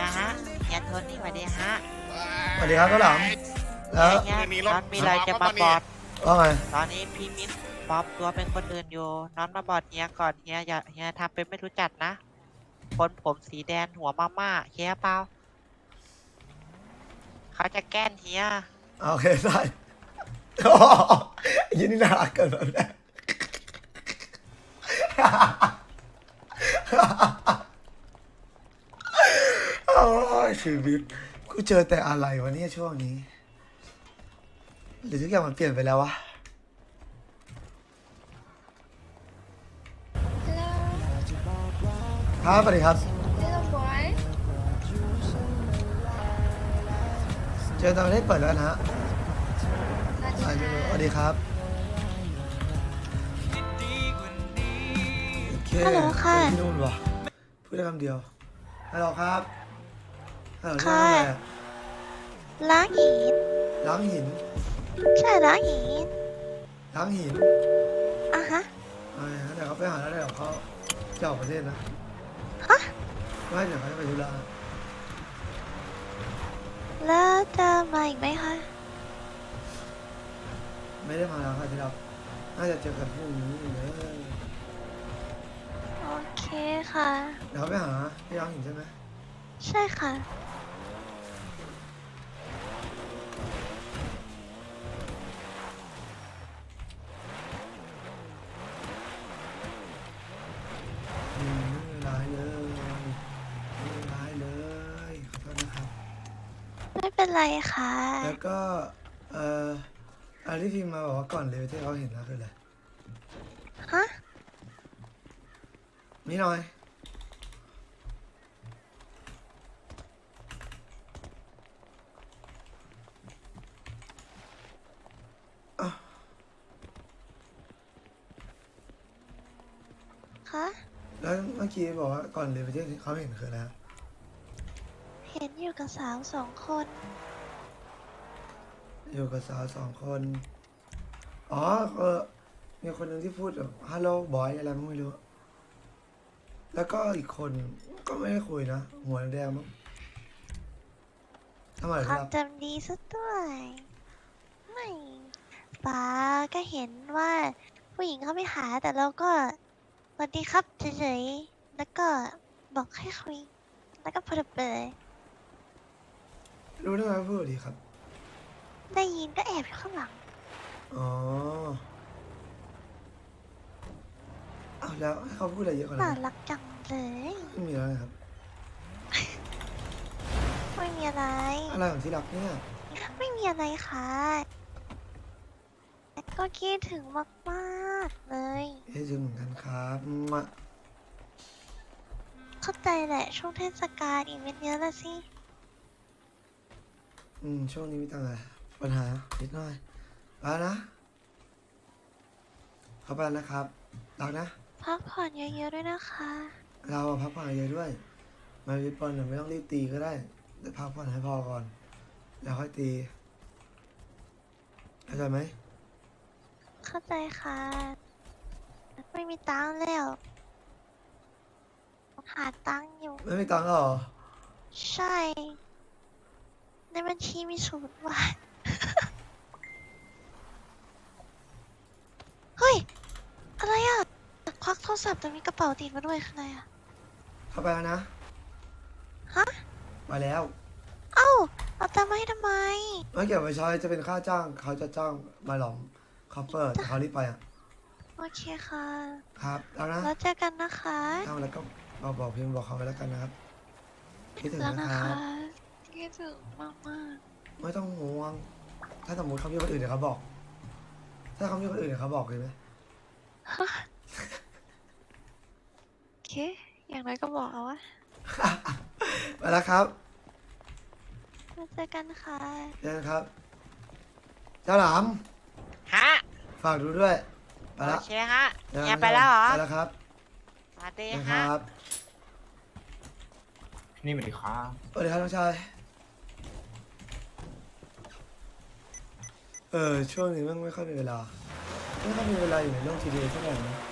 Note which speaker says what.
Speaker 1: ยฮะเฮียโทนี่สวัสดีฮะ
Speaker 2: สวัสดีครับต้นหลังแล้ว
Speaker 1: เฮียน้อนมีอะไรจะมาบอด
Speaker 2: ว่าไง
Speaker 1: ตอนนี้พี่มิ้นปลอมตัวเป็นคนอื่นอยู่น้อนมาบอดเฮียก่อนเฮียอย่าเฮียทำเป็นไม่รู้จักนะคนผมสีแดงหัวมาม่าเฮียเปล่าเขาจะแกล้งเฮีย
Speaker 2: โอเคได้โอ้ยินดีน่ารักเกินแบบนี้โอ้ยชีวิตกูเจอแต่อะไรวะเนี่ยช่วงนี้หรือทุกอย่างมันเปลี่ยนไปแล้ววะ
Speaker 3: Hello,
Speaker 2: ครับสวัสดีครับ
Speaker 3: little boy.
Speaker 2: เจอตอนนี้เปิดแล้วนะฮะ
Speaker 3: That's
Speaker 2: สวัสดี
Speaker 3: hi.
Speaker 2: สวัสดีครับโอเค
Speaker 4: ฮัลโหลค่ะ
Speaker 2: ที่นู่นวะพูดได้คำเดียวฮัลโหลครับฮัลโหลที่
Speaker 4: ค่ะ
Speaker 2: นู่นอะไรอะ
Speaker 4: ล้างหิน
Speaker 2: ล้างหิน
Speaker 4: ใช่ล้างหิน
Speaker 2: ล้างหิน
Speaker 4: อ่ะฮะ
Speaker 2: เดี๋ยวเขาไปหาแล้วเดี๋ยวเขาจะออกประเทศนะ
Speaker 4: ฮะ
Speaker 2: ไม่เดี๋ยวเขาจะไปธุระ
Speaker 4: แล้วจะมาอีกไหมคะ
Speaker 2: ไม่ได้มาแล้วค่ะที่เราน่าจะเจอกันพรุ่งนี้เลย
Speaker 4: โอเคค่ะ
Speaker 2: เดี๋ยวเขาไปหาที่ล้างหินใช่ไหม
Speaker 4: ใช่ค่ะ
Speaker 2: ไม่มีร้ายเลยไม่มีร้ายเลยขอโทษนะครับ
Speaker 4: ไม่เป็นไรค่ะ
Speaker 2: แล้วก็อะไรที่พิมพ์มาบอกว่าก่อนเลยที่เขาเห็นนะคืออะไร
Speaker 4: ฮะ
Speaker 2: นี่หน่อยอ่ะ
Speaker 4: คะ
Speaker 2: แล้วเมื่อกี้บอกว่าก่อนเลยที่เขาเห็นคืออะไรฮะ
Speaker 4: เห็นอยู่กับสาวสองคน
Speaker 2: อยู่กับสาวสองคน อ๋อมีคนหนึ่งที่พูดแบบฮัลโหลบอยอะไรไม่รู้ แล้วก็อีกคนก็ไม่ได้คุยนะ หัวแดงมั้งทำไม
Speaker 4: ค
Speaker 2: ครั
Speaker 4: วาม
Speaker 2: บ
Speaker 4: จำดีซะด้วย ไม่ป้าก็เห็นว่าผู้หญิงเขาไม่หาแต่เราก็สวัสดีครับเฉยๆ แล้วก็บอกให้คุย แล้วก็พูดไปเลย
Speaker 2: รู้ได้ไงว่าพูดดีครับ
Speaker 4: ได้ยินก็แอบอยู่ข้างหลัง
Speaker 2: อ๋อเอาแล้วให้เขาพูดอะไรเยอะกว่า
Speaker 4: น่า
Speaker 2: นั้น
Speaker 4: รักจังเลย
Speaker 2: ไม่มีแล้วนะครับ
Speaker 4: ไม่มีอะไร
Speaker 2: อะไรของที่รักเนี่ย
Speaker 4: ไม่มีอะไรค่ะ ก็คิดถึงมากๆเลย
Speaker 2: เฮ้ยจริงเหมือนกันครับมา
Speaker 4: เข้าใจแหละช่วงเทศกาลอีเวนต์เยอะละสิ
Speaker 2: ช่วงนี้มีตังอะไรปัญหานิดหน่อยไปแล้วนะเข้าไปแล้วนะครับรักนะ
Speaker 4: พักผ่อนเยอะๆด้วยนะคะ
Speaker 2: เราอะพักผ่อนเยอะด้วย มาวิปปอนไม่ต้องรีบตีก็ได้แต่พักผ่อนให้พอก่อน แล้วค่อยตีเข้าใจไหม
Speaker 4: เข้าใจค่ะ ไม่มีตังค์แล้ว หาตังค์อยู่
Speaker 2: ไม่มีตังค์แล้วเหรอ
Speaker 4: ใช่ ในบัญชีมี0 บาท เฮ้ย อะไรอ่ะ ควักโทรศัพท์แต่มีกระเป๋าติดมาด้วยคืออะไรอ่ะ
Speaker 2: เข้าไปแล้วนะ
Speaker 4: ฮะ
Speaker 2: มาแล้ว
Speaker 4: เอ้า เอาตังค์มาให้ทำไม
Speaker 2: ไม่เกี่ยวกับใช้จะเป็นค่าจ้างเขาจะจ้างมาหลอมคอปเปอร์แต่เขารีบไปอ่ะ
Speaker 4: โอเคค่ะ
Speaker 2: ครับแล้วนะ
Speaker 4: แล้วเจอกันนะคะ
Speaker 2: ทำแล้วก็บอกพิมพ์บอกเขาไปแล้วกันนะครับคิดถึง
Speaker 4: แล้ว
Speaker 2: นะ
Speaker 4: นะ
Speaker 2: ค
Speaker 4: คะ
Speaker 2: รับ
Speaker 4: คิดถึงมาก
Speaker 2: ไม่ต้องห่วง ถ้าสมมติเขามีคนอื่นเดี๋ยวเขาบอก ถ้าเขามีคนอื่นเดี๋ยวเขาบอกเลยไหม
Speaker 4: ๆ โอเค อย่างน้อยก็บอกเอาวะ
Speaker 2: ไปแล้วครับ
Speaker 4: แล้วเจอกันค่ะ
Speaker 2: เจอกันครับ เจ้าหลาม
Speaker 1: ฮะ
Speaker 2: ฝากดูด้วย ไป
Speaker 1: โอ
Speaker 2: แล้ว
Speaker 1: เคฮะ
Speaker 2: จอกัน
Speaker 1: เฮียไปแล้วเหรอ
Speaker 2: ไปแล้วครับ
Speaker 1: สวัสดี
Speaker 2: นะค
Speaker 1: ฮะ
Speaker 2: รับ
Speaker 5: นี่มันดีครับ
Speaker 2: สวัสดีครับน้องชาย ช่วงนี้ไม่ค่อยมีเวลา ไม่ค่อยมีเวลาอยู่ในโลกทีเดียวเท่าไหร่นะ